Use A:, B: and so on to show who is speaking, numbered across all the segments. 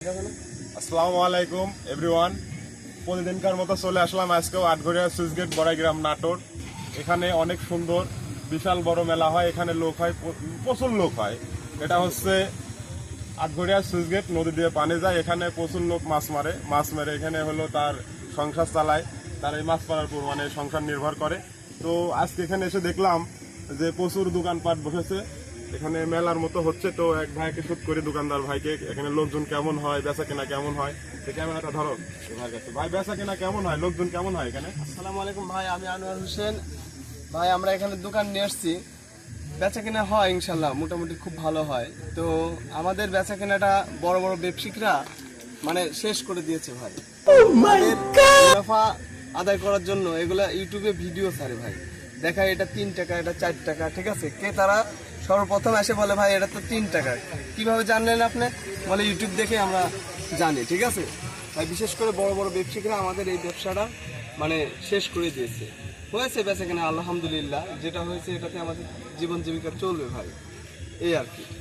A: আসসালামু আলাইকুম এভরিওয়ান। প্রতিদিনকার মতো চলে আসলাম আজকেও আটঘরিয়া সুইচ গেট বড়াইগ্রাম নাটোর। এখানে অনেক সুন্দর বিশাল বড় মেলা হয়, এখানে লোক হয়, প্রচুর লোক হয়। এটা হচ্ছে আটঘরিয়া সুইচ গেট, নদী দিয়ে পানি যায়, এখানে প্রচুর লোক মাছ মারে এখানে হলো তার সংসার চালায়, তার এই মাছ মারার উপর মানে সংসার নির্ভর করে। তো আজকে এখানে এসে দেখলাম যে প্রচুর দোকানপাট বসেছে, এখানে মেলার মতো হচ্ছে। তো এক ভাইকে শুট করে দোকানদার ভাইকে, এখানে লোকজন কেমন হয়, বেচা কেনা কেমন হয়, সে ক্যামেরাটা ধরো ভাইয়ের কাছে। ভাই বেচা কেনা কেমন হয়, লোকজন কেমন হয় এখানে?
B: আসসালামু আলাইকুম ভাই, আমি আনোয়ার হোসেন। ভাই আমরা এখানে দোকান নিয়ে আসছি, বেচা কেনা হয় ইনশাল্লাহ, মোটামুটি খুব ভালো হয়। তো আমাদের বেচা কেনাটা বড় বড় ব্যবসায়িকরা মানে শেষ করে দিয়েছে ভাই। তাদের মুনাফা আদায় করার জন্য এগুলা ইউটিউবে ভিডিও ছাড়ে ভাই, দেখা এটা 3 টাকা, এটা 4 টাকা, ঠিক আছে। কে তারা সর্বপ্রথম এসে বলে ভাই এটা তো 3 টাকা। কিভাবে জানলেন আপনি? বলে ইউটিউব দেখে আমরা জানি, ঠিক আছে ভাই। বিশেষ করে বড় বড় ব্যবসায়িকরা আমাদের এই ব্যবসাটা মানে শেষ করে দিয়েছে। হয়েছে বেচা কেনা আলহামদুলিল্লাহ, যেটা হয়েছে এটাতে আমাদের জীবন জীবিকা চলবে ভাই, এই আর কি।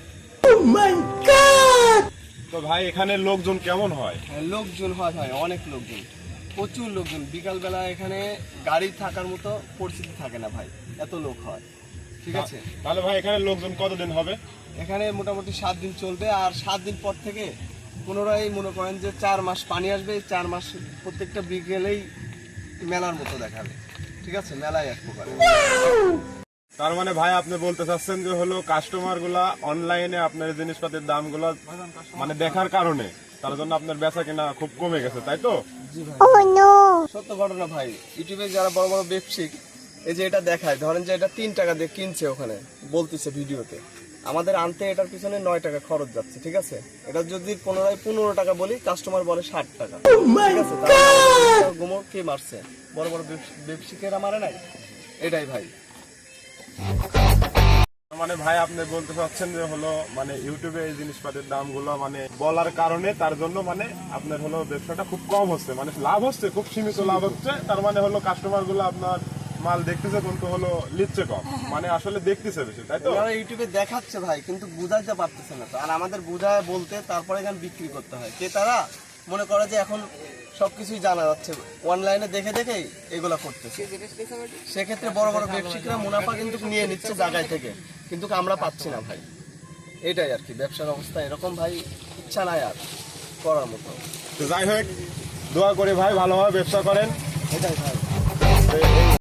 A: তো ভাই এখানে লোকজন কেমন হয়?
B: লোকজন হয় ভাই, অনেক লোকজন, প্রচুর লোকজন। বিকালবেলা এখানে গাড়ি থাকার মতো পরিস্থিতি থাকে না ভাই, এত লোক হয়, ঠিক আছে।
A: তাহলে ভাই এখানে লোকজন কতদিন হবে?
B: এখানে মোটামুটি 7 দিন চলবে, আর 7 দিন পর থেকে পুনরায় মনে করেন যে 4 মাস পানি আসবে। 4 মাস প্রত্যেকটা বিকেলেই মেলার মতো দেখাবে, ঠিক আছে, মেলায় এক প্রকার।
A: তার মানে ভাই আপনি বলতে চাচ্ছেন যে হলো কাস্টমার গুলা অনলাইনে আপনার জিনিসপাতির দামগুলো মানে দেখার কারণে তার জন্য আপনার বেচা কেনা খুব কমে গেছে, তাই তো?
B: জি ভাই, সত্য ঘটনা ভাই। ইউটিউবে যারা বড় বড় ব্যবসায়িক এই যে এটা দেখায়, ধরেন যে এটা 3 টাকা দিয়ে কিনছে, ওখানে বলতেছে ভিডিওতে, আমাদের আনতে এটার পিছনে 9 টাকা খরচ যাচ্ছে, ঠিক আছে। এটা যদি 15 টাকা বলি, কাস্টমার বলে 60 টাকা, ঠিক আছে। গুমো কে মারছে? বড় বড় ব্যবসায়িকেরা মারে নাই, এটাই ভাই।
A: মানে ভাই আপনি বলতে চাচ্ছেন যে হলো মানে ইউটিউবে এই জিনিসপাতির দামগুলো মানে বলার কারণে তার জন্য মানে আপনার হলো ব্যবসাটা খুব কম হচ্ছে, মানে লাভ হচ্ছে, খুব সীমিত লাভ হচ্ছে। তার মানে হলো কাস্টমার গুলো আপনার মাল দেখতেছে কিন্তু হলো লিচ্ছে কম, মানে আসলে দেখতেছে বেশি, তাই তো?
B: ওরা ইউটিউবে দেখাচ্ছে ভাই, কিন্তু বুঝাইতে পারতেছে না তো। আর আমাদের বুঝায় বলতে তারপরে এখানে বিক্রি করতে হয়। কে তারা মনে করে যে এখন সবকিছুই জানা যাচ্ছে, অনলাইনে দেখে দেখেই এগুলা করতেছে। সেক্ষেত্রে বড় বড় ব্যবসায়িকরা মুনাফা কিন্তু নিয়ে নিচ্ছে জায়গায় থেকে, কিন্তু আমরা পাচ্ছি না ভাই। এটাই আর কি, ব্যবসার অবস্থা এরকম ভাই, ইচ্ছা নাই আর করার মতো।
A: তো যাই হোক, দোয়া করি ভাই ভালোভাবে ব্যবসা করেন।
B: এটাই ভাই।